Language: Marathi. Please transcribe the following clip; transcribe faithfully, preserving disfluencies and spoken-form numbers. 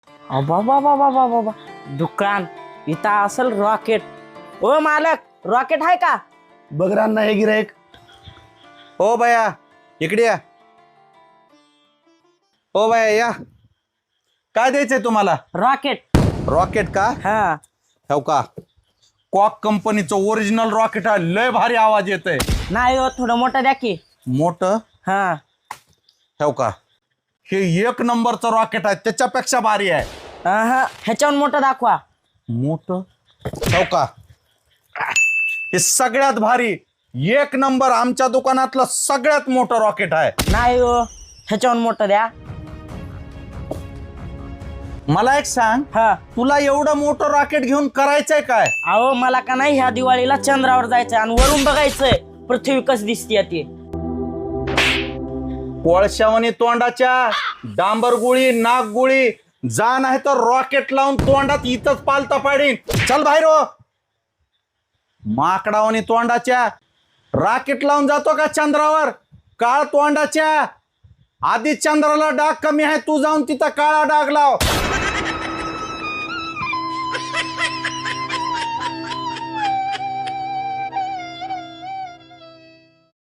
बाबा बाबा बाबा बाबा दुकान इथं असेल रॉकेट. ओ मालक रॉकेट आहे का? बघ रान्ना हे गिरायक. हो बाया इकडे या. हो बाया या. काय द्यायचंय तुम्हाला? रॉकेट. रॉकेट का? हा. हो का? कॉक कंपनीचं ओरिजिनल रॉकेट आहे. लय भारी आवाज येतोय. नाही हो थोडं मोठं द्या की. मोठं? हा. हो का? हे एक नंबरचं रॉकेट आहे. त्याच्यापेक्षा भारी आहे. हा ह्याच्यावर मोठं दाखवा. मोठं? हो का? हे सगळ्यात भारी एक नंबर आमच्या दुकानातलं सगळ्यात मोठं रॉकेट आहे. नाही हो ह्याच्यावर मोठं द्या. मला एक सांग, हा. तुला एवढं मोठं रॉकेट घेऊन करायचंय काय? अहो मला का नाही ह्या दिवाळीला चंद्रावर जायचंय आणि वरून बघायचंय पृथ्वी कस दिसतीये ती. कोळशावणी तोंडाच्या, डांबर गुळी, नाग गुळी, जा नाही तर रॉकेट लावून तोंडात इथंच पालता पाडीन. चल बाहेर हो. माकडावणी तोंडाच्या, रॉकेट लावून जातो का चंद्रावर? काळ तोंडाच्या, आधी चंद्राला डाग कमी आहे, तू जाऊन तिथं काळा डाग लाव.